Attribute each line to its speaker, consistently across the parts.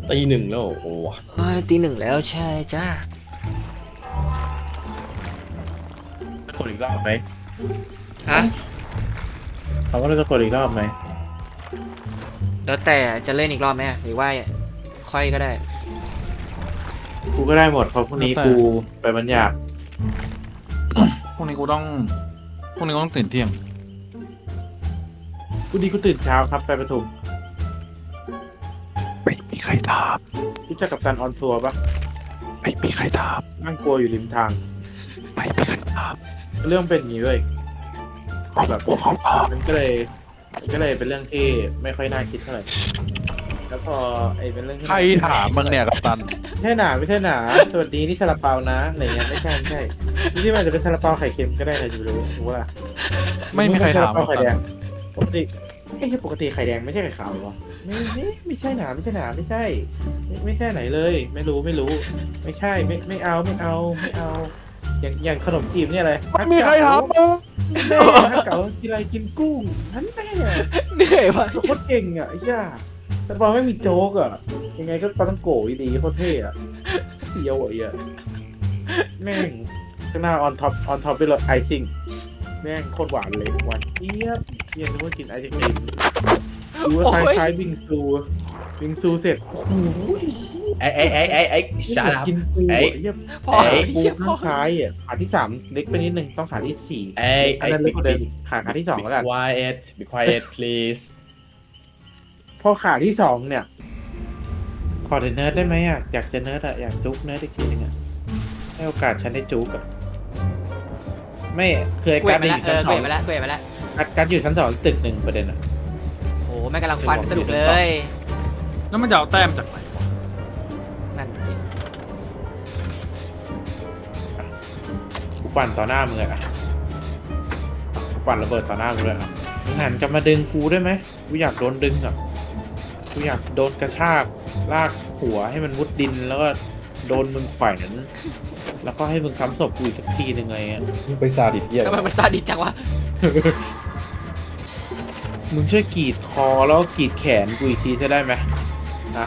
Speaker 1: ตีหนึ่งแล้วโอ้
Speaker 2: ตีหนึ่งแล้วใช่จ้า
Speaker 3: จะกดอีกรอบไหม
Speaker 2: ฮะ
Speaker 3: เขาก็จะกดอีกรอบไหม
Speaker 2: แล้วแต่จะเล่นอีกรอบไหมหรือว่าค่อยก็ได้
Speaker 3: กูก็ได้หมดเพราะพรุ่งนี้กูไปบรรยาก
Speaker 4: พรุ่งนี้กูต้องตื่นเที่ยง
Speaker 3: กูดีกูตื่นเช้าครับไปประชุม
Speaker 4: ไม่มีใครถาม
Speaker 3: รู้จักกับการออนทัวร์ปะ
Speaker 4: ไม่มีใครถาม
Speaker 3: นั่งกลัวอยู่ริมทาง
Speaker 4: ไม่มีใครถาม
Speaker 3: เรื่องเป็นอย่างนี้เว้ย
Speaker 4: แบบของถาม
Speaker 3: มันก็เลยเป็นเรื่องที่ไม่ค่อยน่าคิดเท่าไหร่แล้วพอเป็นเรื่องที่
Speaker 4: ใครถามมึงเนี่ยกัปตัน
Speaker 3: ไม่ใช่หนาไม่ใช่หนาสวัสดีนี่ซาลาเปานะอะไรเงี้ยไม่ใช่ที่มันจะเป็นซาลาเปาไข่เค็มก็ได้ใครจะไปรู้ล่ะ
Speaker 4: ไม่มีใครถาม
Speaker 3: ซลเปาไข่แดงปกติปกติไข่แดงไม่ใช่ไข่ขาวหรอไม่ใช่หนาไม่ใช่ไหนเลย ไม่รู้ไม่ใช่ไม่เอาอย่างขนมจีบเนี่ยอะไร
Speaker 4: ไม่มีใครถามมึง
Speaker 3: แม่ถ้าเก๋ากินอะไรกินกุ้งนั่นแม่
Speaker 2: เหนื่อยปะ
Speaker 3: โคตรเก่งอ่ะไอ้ย่าซาลาเปาไม่มีโจ๊กอ่ะยังไงก็ปลาต้องโกะดีโคตรเท่อ่ะเดียวอ่ะแม่งข้างหน้าออนท็อปด้วยรสไอซิ่งแม่งโคตรหวานเลยหวานเจี๊ยบนึกว่ากินไอศกรีมดูว่าคล้ายบิงซูเสร็จโอ้โห
Speaker 1: ไอ้ชาดับ
Speaker 3: กินปู
Speaker 1: ไอ้
Speaker 3: เยี่ยม
Speaker 2: พอ
Speaker 3: ปูข้างซ้ายอ่ะขาที่3เล็กไปนิดนึงต้องขาที่4อันนั้นเล็กกว่าเดิมขาที่2แล้วกัน
Speaker 1: be quiet please
Speaker 3: พอขาที่2เนี่ยขอเนิร์ดได้ไหมอ่ะอยากจะเนิร์ดอ่ะอยากจุ๊กเนิร์ดอีกทีนึงอ่ะให้โอกาสฉันได้จุ๊กอ่ะไม่เคย
Speaker 2: เกว
Speaker 3: การ
Speaker 2: ดไป
Speaker 3: อยู่
Speaker 2: แล้ว
Speaker 3: ชั้น
Speaker 2: เก
Speaker 3: ส
Speaker 2: ว
Speaker 3: อง
Speaker 2: ดไปแล้วเกวดไปแล้ว
Speaker 3: การอยู่ชั้น2ตึก1ประเด็นอ่ะ
Speaker 2: โอ้แม่งกำลังฟันสนุกเลย
Speaker 4: แล้วมันจะเอาแต้มจากไหน
Speaker 2: นั่นดิ
Speaker 3: กูปั่นต่อหน้ามึงเลยอ่ะกูปั่นระเบิดต่อหน้ามึงเลยอ่ะมึงหันกลับมาดึงกูได้ไหมกูอยากโดนดึงอ่ะกูอยากโดนกระชากลากหัวให้มันมุดดินแล้วก็โดนมึงแขวนแล้วก็ให้มึงซ้ำศพกูอีกสักทีหนึ่งไงอ่ะ
Speaker 1: ไปซาดิสเหี้ย
Speaker 2: ทำไมมันซาดิสจังวะ
Speaker 3: มึงช่วยกรีดคอแล้วก็กรีดแขนกูอีกทีจะได้ไหมนะ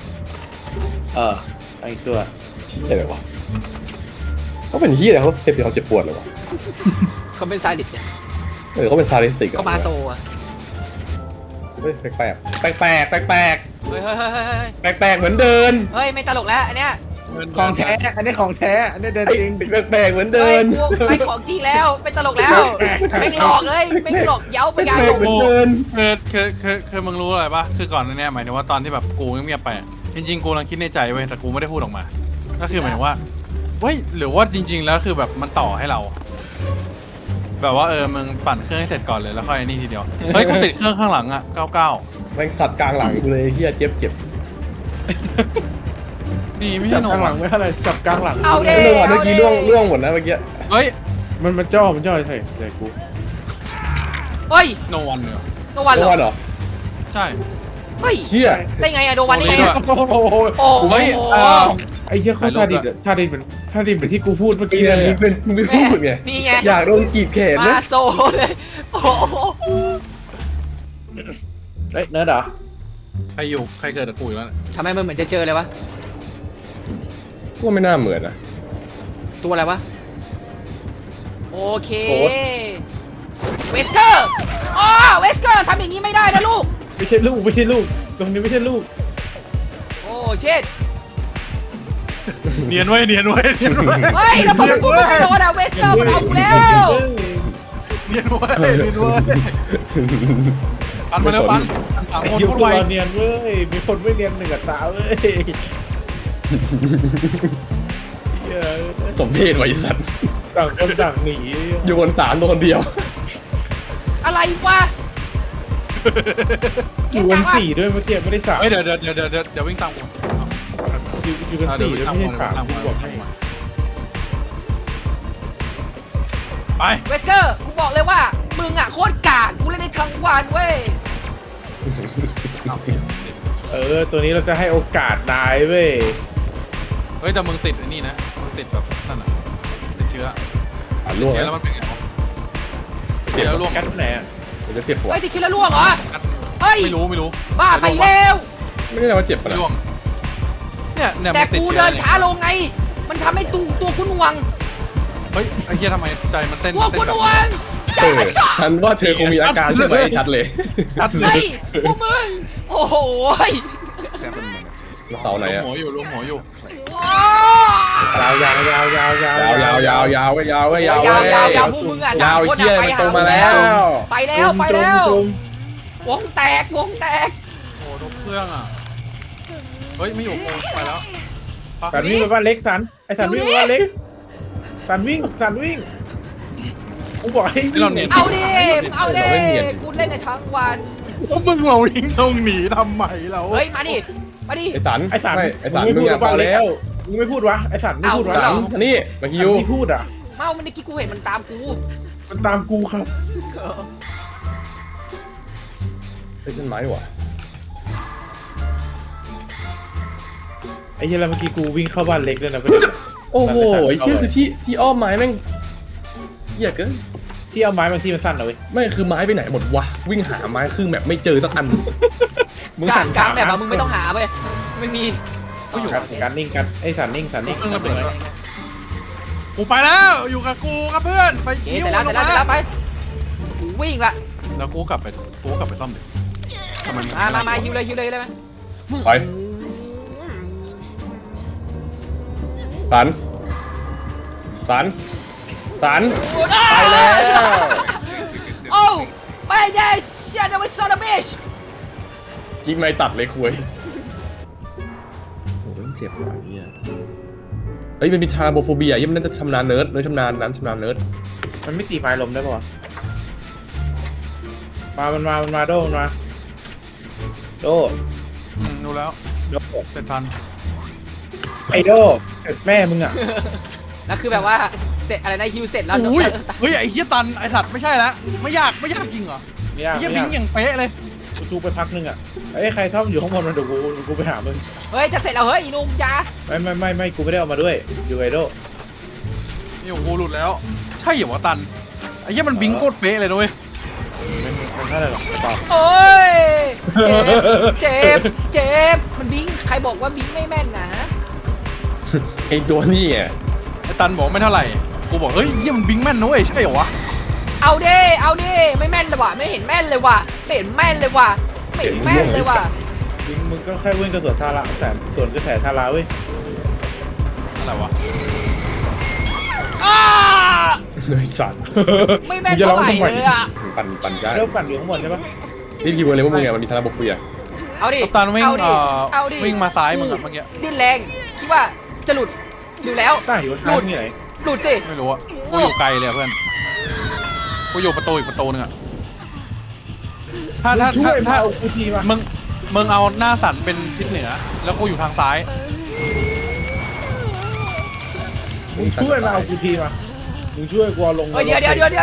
Speaker 3: ไอ้ตัว
Speaker 1: เหี้ยอะไรวะเขาเป็นเหี้ยอะไรเขาเสพติดความเจ็บปวดเหรอวะ
Speaker 2: เขาเป็นซาดิสเนี่ย
Speaker 1: เขาเป็นซาดิสติกอะ
Speaker 2: เขามาโซอะ
Speaker 1: เฮ้ยแปลก
Speaker 2: เฮ้ยเฮ้ยเฮ้ยเฮ้ย
Speaker 1: แปลกเหมือนเดิน
Speaker 2: เฮ้ยไม่ตลกแล้วอันเนี้ย
Speaker 3: ของแท้อันนี้ของแท้อันนี้เดินจริง
Speaker 1: แปลกเหมือนเดิ
Speaker 2: เฮ้ย
Speaker 1: น
Speaker 2: พวกไม่ของจริงแล้วไม่ตลกแล้วไม่หลอกเลยไม่หลอกเย้าไปยา
Speaker 1: แปล
Speaker 2: ช
Speaker 1: ก
Speaker 2: ม
Speaker 1: เหมือนเดิน
Speaker 4: คือมึงรู้อะไรปะคือก่อนหน้านี้หมายถึงว่าตอนที่แบบกูเงียบๆไปอะจริงๆกูกำลังคิดในใจเว้ยแต่กูไม่ได้พูดออกมา ก็คือหมายถึงว่าเว้ยหรือว่าจริง ๆ แล้วคือแบบมันต่อให้เรา แบบว่ามึงปั่นเครื่องให้เสร็จก่อนเลยแล้วค่อยนี่ทีเดียวเฮ้ยกูติดเครื่องข้างหลังอ่ะ99
Speaker 1: แม่งสัตว์กลางหลังกูเลยเหี้ยเจ็บ
Speaker 4: ดีไม่
Speaker 3: ๆ
Speaker 4: ใช่
Speaker 3: จับ
Speaker 4: โน
Speaker 3: กลางหลั
Speaker 4: วั
Speaker 3: ง
Speaker 4: น
Speaker 3: ไม่อะไรจับกลางหลัง
Speaker 2: เอาเด้
Speaker 1: เรื่องวันเมื่อกี้ล่วงหมดนะเมื่อกี้
Speaker 4: เฮ้ย
Speaker 3: มันจ่อใช่เลยกู
Speaker 2: เฮ้ย
Speaker 4: โนวันเนี่ย
Speaker 2: โนวันเหร
Speaker 1: เมื่อ
Speaker 2: อ
Speaker 1: วานเหรอ
Speaker 4: ใช่
Speaker 2: เฮ้ย
Speaker 1: เหี้ย
Speaker 2: ได้ไงอะโนวันได้ไงอะ
Speaker 3: โอ้โห
Speaker 2: โอ้โห
Speaker 4: เฮ้ย
Speaker 3: ไอ้เหี้ยเขาซาดิสอะซาดิสเหมือนที่กูพูดเมื่อกี้
Speaker 1: นี่
Speaker 3: เล
Speaker 1: นะ
Speaker 3: ย
Speaker 1: มึงไปพูดไง
Speaker 2: นี่ไง
Speaker 1: อยากโดนกรีดแขน
Speaker 2: มา
Speaker 1: นะ
Speaker 2: โซเลยโอ้โห
Speaker 3: เฮ้ยเนิร์ดเหรอ
Speaker 4: ใครเกิดกับกูอีกแล้วเนี่ย
Speaker 2: ทำไมมันเหมือนจะเจอเลยวะ
Speaker 1: กูว่าไม่น่าเหมือนนะ
Speaker 2: ตัวอะไรวะโอเค
Speaker 1: โค้ด
Speaker 2: เวสเกอร์อ๋อเวสเกอร์ทำอย่างนี้ไม่ได้นะลูก
Speaker 3: ไม่ใช่ลูกตรงนี้ไม่ใช่ลูก
Speaker 2: โอ้เช็ด
Speaker 4: เนียนไว้
Speaker 2: เฮ้ยแล้วพอมันพูดไม่โดนอะเวสเกอร์มันเอากูแล้ว
Speaker 4: เนียนไว้ปันมาเร็วปันสาม
Speaker 3: ไอ้
Speaker 4: คน
Speaker 3: เหี้ย
Speaker 4: พูด
Speaker 3: ตัว
Speaker 4: ไว
Speaker 3: เนียนเว้ยมีคนไม่เนียนหนึ่งกับตาเว้ยเหี้ย
Speaker 1: สมเพศไว้สัตว์
Speaker 3: ต่างคนต่างหนี
Speaker 1: อยู่บนศาลตัวคนเดียว
Speaker 2: อะไรวะ
Speaker 3: อยู่กัน4ด้วยเมื่อกี้ไม่ได้3
Speaker 4: เฮ้ยเดี๋ยววิ่งตามกู
Speaker 3: อยู่กัน4ด้วยไม่ใช่3กูบอกให้
Speaker 4: ไป
Speaker 2: เวสเกอร์กูบอกเลยว่ามึงอะโคตรกากกูเล่นได้ทั้งวันเว้ย
Speaker 3: ตัวนี้เราจะให้โอกาสนายเว้ย
Speaker 4: เฮ้ยแต่มึงติดไอ้นี่นะมึงติดแบบนั่นอ่ะติดเชื้อ
Speaker 1: ล่วง
Speaker 4: เชื้อแล้วมันเป็นไงวะติดเชื้อแล้วร่วง
Speaker 3: กัดไหนอ่ะ
Speaker 1: มันจะเจ็บหัว
Speaker 2: เฮ้ยติดเชื้อแล้วล่วงเหรอ
Speaker 4: กัด
Speaker 2: เฮ้ย
Speaker 4: ไม่รู้
Speaker 2: บ้าไปแล้ว
Speaker 1: ไม่ได้ว่าเจ็บปะ
Speaker 4: ไม่
Speaker 1: นะ
Speaker 4: ร่วงเนี่ย
Speaker 2: แต่
Speaker 4: มันติด
Speaker 2: กู
Speaker 4: เชื้อ
Speaker 2: เดินช้าลงไง มันทำให้ตัวกูหน่วง
Speaker 4: เฮ้ยไอ้เหี้ยทำไมใจมันเต้น
Speaker 2: ตัวกูหน่วง
Speaker 1: เออฉันว่าเธอคงมีอาการใช่ไหมชัดเลย
Speaker 4: ชัดเล
Speaker 2: เฮ้
Speaker 4: ย
Speaker 2: ยพวกมึงโอ้โหย
Speaker 1: เสาไหน
Speaker 4: รวม
Speaker 1: อะ
Speaker 4: หัวอยู่รวมหัวอยู่
Speaker 2: ว้า
Speaker 3: ยาวยาวยาวยาวยาวย
Speaker 1: าวยาวยาวยาวยาว
Speaker 2: ยาวยาว
Speaker 1: เว้
Speaker 2: ยาวพวกมึงอ่ะ
Speaker 1: ยาว
Speaker 2: ต่งคน
Speaker 1: เหี้ย
Speaker 2: อะ
Speaker 1: มันตรงมาแล้ว
Speaker 2: ไปแล้วไปแล้ว
Speaker 3: จม
Speaker 2: วงแตกวงแตก
Speaker 4: โอ้ทุกเครื่องอ่ะเฮ้ยไม่อยู่กูไปแล้วไป
Speaker 3: สันวิ่งไปบ้านเล็กสันไอสันวิ่งไปบ้านเล็กสันวิ่งกูบอกให้วิ่ง
Speaker 2: เอาดิเอาดิกูเล่นในทั้งวัน
Speaker 4: มึงเราวิ่งตรงหนีทำไมเรา
Speaker 2: เฮ้ยมาดิมาดิ
Speaker 1: ไอ้สัน
Speaker 3: ไอสัน
Speaker 1: ไม่ไอ้สัน
Speaker 3: ไม่
Speaker 1: มึ
Speaker 3: พู
Speaker 1: ง
Speaker 3: ด
Speaker 1: อะพ
Speaker 3: บ้า
Speaker 1: อน
Speaker 3: เล็ก
Speaker 1: แล้ว
Speaker 3: มึงไม่พูดวะไอสันไม่พูดวะ
Speaker 1: สันอันนี้มาฮิว
Speaker 3: ไม่พูดอ่ะ
Speaker 2: เมามันเมื่อกี้กูเห็นมันตามกู
Speaker 3: มันตามกูครับ
Speaker 1: เป็นต้นไม้ดีกว่า
Speaker 3: ไอ้เหี้ยแล้วเมื่อกี้กูวิ่งเข้าบ้านเล็กเลยนะ
Speaker 1: โอ้โหไอ้เหี้ยคือที่อ้อมไม้แม่งเหี้ยเกิน
Speaker 3: ที่เอาไม้บางที่มันสั้นนะเว้ย
Speaker 1: ไม่คือไม้ไปไหนหมดวะวิ่งหาไม้ครึ่งแบบไม่เจอสักอัน
Speaker 2: กลางแบบมึงไม่ต้องหาเว้ยไม่มี
Speaker 3: ก็อยู่การนิ่งกันไอ้สันนิ่ง
Speaker 4: เครื่องระเบิดแล้วกูไปแล้วอยู่กับกูครับเพื่อนไป
Speaker 2: เสร็จแล้วไปกูวิ่งละ
Speaker 4: แล้วกูกลับไปซ่อมดิ
Speaker 2: มาฮิวเลยได้ไหม
Speaker 1: ไปสันไปแล้ว
Speaker 2: โอ้ไม่ได้เชียร์นะเว้ยซอร์บิช
Speaker 1: ยิงไม่ตัดเลยคุยโอ้โหเจ็บว่ะเนี่ยเฮ้ยมันมีทาราโบโฟเบียยังมันน่าจะชำนาญเนิร์ดชำนาญเนิร์ด
Speaker 3: มันไม่ตีไม้ลมได้ป่ะมันมาโดมันมาโด
Speaker 4: ดูแล้ว
Speaker 3: โด
Speaker 4: เสร็จทัน
Speaker 3: ไอโดแม่มึงอ่ะ
Speaker 2: แล้วคือแบบว่าเสร็จอะไรนะฮิวเสร็จแล้ว
Speaker 4: อุ้ยเฮ้ยไอ้เหี้ยตันไอ้สัตว์ไม่ใช่แล้วไม่ยากจริงเหรอ
Speaker 3: ไม่
Speaker 4: ไอ้
Speaker 3: ยาก
Speaker 4: เหี้ยบิงอย่างเป๊ะเลย
Speaker 3: กูจูไปพักนึงอ่ะไอ้ใครซ่อมอยู่ข้างบนมันเดี๋ยวกูไปหามึง
Speaker 2: เฮ้ยจะเสร็จแล้วเฮ้ยอีนุ่มจ้า
Speaker 3: ไม่กูไม่ได้เอามาด้วยอยู่ไอโด
Speaker 4: นี่ของกูหลุดแล้ว ใช่เหรอวะตันไอ้เหี้ยมันบิงโคตรเป๊ะเลยนะเว้ย
Speaker 3: ไม่เท่าไหร่หรอกเปล่า
Speaker 2: โอ้ยเจ็บมันบิงใครบอกว่าบิงไม่แม่นนะ
Speaker 1: ไอ้ตัวนี้ไง
Speaker 4: ไอ้ตันบอกไม่เท่าไหร่กูบอกเฮ้ยเหี้ยมันบิงแม่นนะเว้ยใช่เหรอวะ
Speaker 2: เอาดิไม่แม่นเลยว่ะไม่เห็นแม่นเลยว่ะไม่เห็นแม่นเลยว่ะไม่เห็นแม่นเลยว่ะ
Speaker 3: มึงก็แค่วิ่งกระสวนทาระแต่ส่วนกระแสทาระเว้ย
Speaker 4: อะไรวะ
Speaker 2: อ้า
Speaker 1: เลยสัน
Speaker 2: ไม่แม่นเท่าไหร่เลยอ่ะ
Speaker 1: ปั่นได้
Speaker 3: เริ่มปั่นอยู่ข้างบนใช่ปะ
Speaker 1: นี่คิดว่าเลยว่ามึงไงมันมีทาราโบโฟเบีย
Speaker 2: เอาดิ
Speaker 4: กัปตันวิ่ง
Speaker 2: เอาดิ
Speaker 4: วิ่งมาซ้ายมึงอะเมื่อกี้
Speaker 2: ดิ้นแรงคิดว่าจะหลุดดูแล้ว
Speaker 3: ต้าอยู่ข้างนี่ไหน
Speaker 2: หลุดสิ
Speaker 4: ไม่รู้อะกูอยู่ไกลเลยอะเพื่อนกูอยู่ประตูอีกประตูนึงอะถ้า
Speaker 3: ช่วยมาเอากูทีมา
Speaker 4: มึงเอาหน้าสันเป็นทิศเหนือ แล้วกูอยู่ทางซ้าย
Speaker 3: มึงช่วยมาเอากูทีมามึงช่วยกูเอาลง
Speaker 2: เฮ้ยเดี๋ยว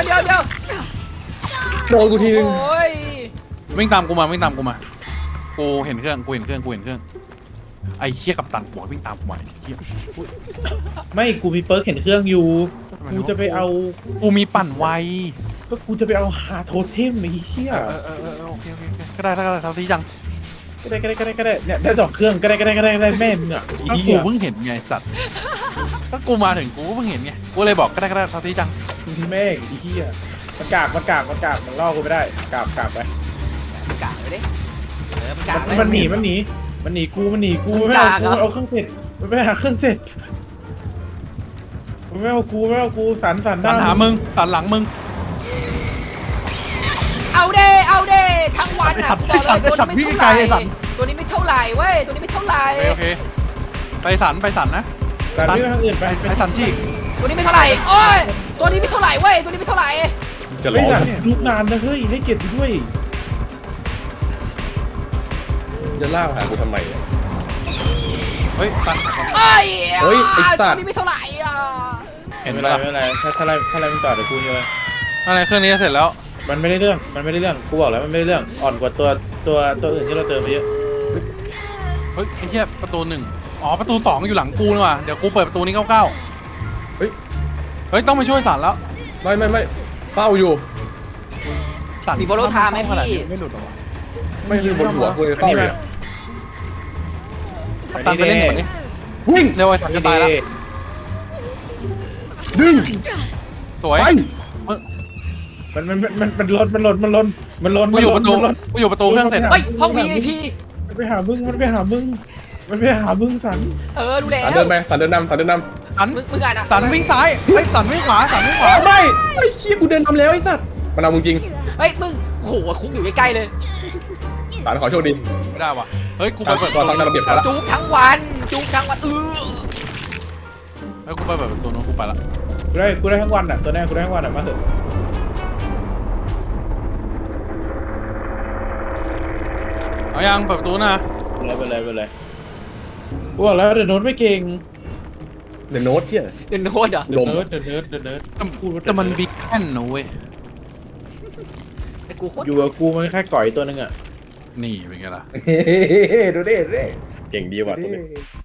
Speaker 1: โดนกูทีนึง
Speaker 2: โอ้ย
Speaker 4: วิ่งตามกูมากูเห็นเครื่องไอ้เหี้ยกับตันบอกวิ่งตามกูมาไอ้เหี้ย
Speaker 3: ไม่กูมีเปิร์กเห็นเครื่องอยู่กูจะไปเอา
Speaker 4: กูมีปั่นไว
Speaker 3: ก็กูจะไปเอาหาโทเทมไอ้เหี้ย
Speaker 4: โอเคก็ได้เท่าที่ยัง
Speaker 3: ก็ได้เนี่ยได้2เครื่องก็ได้แม่มึงอ่ะ
Speaker 4: ก็กูเพิ่งเห็นไงสัตว์ก็กูมาถึงกูก็เพิ่งเห็นไงกูเลยบอกก็ได้เท่าที่ยัง
Speaker 3: แม่งไอ้เหี้ยมันกากมันล่อกูไม่ได้กากไป
Speaker 2: มันกะไปดิมันกะ
Speaker 3: มันหนีกูไม่เอาเครื่องเสร็จมันไม่หาเครื่องเสร็จมันไม่เอากูสัน
Speaker 4: สันหามึงสันหลังมึง
Speaker 2: เอาเด้ทั้งวัน
Speaker 4: ไอ้สัตว์วิ่งไกลไอ้สัตว์
Speaker 2: ตัวนี้ไม่เท่าไหร่เว้ยตัวนี้ไม่เท่าไหร่
Speaker 4: โอเคไปสันนะ
Speaker 3: สันไม่ไปทางอื่นไป
Speaker 4: ไอ้สันชีก
Speaker 2: ตัวนี้ไม่เท่าไหร่โอ้ยตัวนี้ไม่เท่าไหร่เว้ยตัวนี้ไม่เท่าไหร่
Speaker 1: จะ
Speaker 3: ไอ้
Speaker 1: ร้อง
Speaker 3: สันยุบนานนะเฮ้ยให้เกียรติด้วย
Speaker 1: จะล่าหากูทำไมเนี่ย
Speaker 4: เฮ้ยสัน
Speaker 2: เอ้ย
Speaker 1: เฮ้ยไอ้สั
Speaker 2: ตั
Speaker 1: ต
Speaker 2: ว
Speaker 1: ว์
Speaker 2: นี้ไม่เท่าไหร่อ่ะ
Speaker 4: เห็นไหม
Speaker 3: ไม่
Speaker 4: ล่ะ
Speaker 3: เป็นไรถ้าอะไรมึงต่อเดี๋ยวกูเลย
Speaker 4: อะไรเครื่องนี้เสร็จแล้ว
Speaker 3: มันไม่ได้เรื่องกูบอกแล้วมันไม่ได้เรื่องอ่อนกว่าตัวอื่นที่เราเจอมาเยอะ
Speaker 4: เฮ้ยไอ้เหี้ยประตู1อ๋อประตู2อยู่หลังกูนี่ว่ะเดี๋ยวกูเปิดประตูนี้99เฮ้ยต้องไปช่วยสันแล้ว
Speaker 1: ไม่เฝ้าอยู่
Speaker 4: สัน
Speaker 2: มีโบโลทาไหมพี่
Speaker 4: ไม่หลุดหรอวะ
Speaker 1: ไม่คือบนหัวกูเลยเฝ้าอยู่
Speaker 4: ตันไปเล่นก่อนดิ
Speaker 1: วิ่ง
Speaker 4: เร็วไอ้สัตว์จะตายแล้ว
Speaker 1: ดึง
Speaker 4: สวย
Speaker 1: ไป
Speaker 3: มันล้น
Speaker 4: กูอยู่ประตู
Speaker 3: มันล้น
Speaker 4: กูอยู่ประตูเครื่องเสร็จ
Speaker 2: เฮ้ยห้อง VIP
Speaker 3: มันไปหามึงสัน
Speaker 2: ดูแล้
Speaker 1: สัน
Speaker 2: ว
Speaker 1: เดินไปสันเดินนำสันเดินน
Speaker 4: สัน
Speaker 2: มึงอ่านอ่ะ
Speaker 4: สันวิ่งซ้ายเฮ้ยสันวิ่งขวาสันวิ่งขวา
Speaker 1: ำไม่ไอ้ขี้ยกูเดินนำแล้วไอ้สัตว์มันเอามึงจริง
Speaker 2: เฮ้ยมึงโอ้โหคุกอยู่ใกล้ๆเลย
Speaker 1: สันขอโชคดี
Speaker 4: ไม่ได้ว่ะเฮ้ยกูไป
Speaker 1: ตาม
Speaker 4: เปิด
Speaker 1: ตามระเบียบแล้ว
Speaker 2: จุกทั้งวัน
Speaker 4: เฮ้ยกูไปเปิดประตูนู้นกูไปละ
Speaker 3: กูได้ทั้งวันอ่ะตัวแน่กูได้ทั้งวันอ่ะมาเถอะ
Speaker 4: เอายังเปิดประตูนะ
Speaker 3: ไปเลยกูบอกแล้วเดี๋ยวโน้ตไม่เก่ง
Speaker 1: เดนโน้ตเที่ย
Speaker 2: เดินโน้ตเหรอ
Speaker 1: ลม
Speaker 3: เนิร์ด
Speaker 4: แต่มันบิ๊กแอนนะเว้ย
Speaker 2: ไอ้กูโคตร
Speaker 3: อยู่กับกูมันแค่ก่อยตัวนึงอ่ะ
Speaker 4: นี่เป็นไงล่ะ
Speaker 1: ดูดิเก่งดีว่ะตัวนี้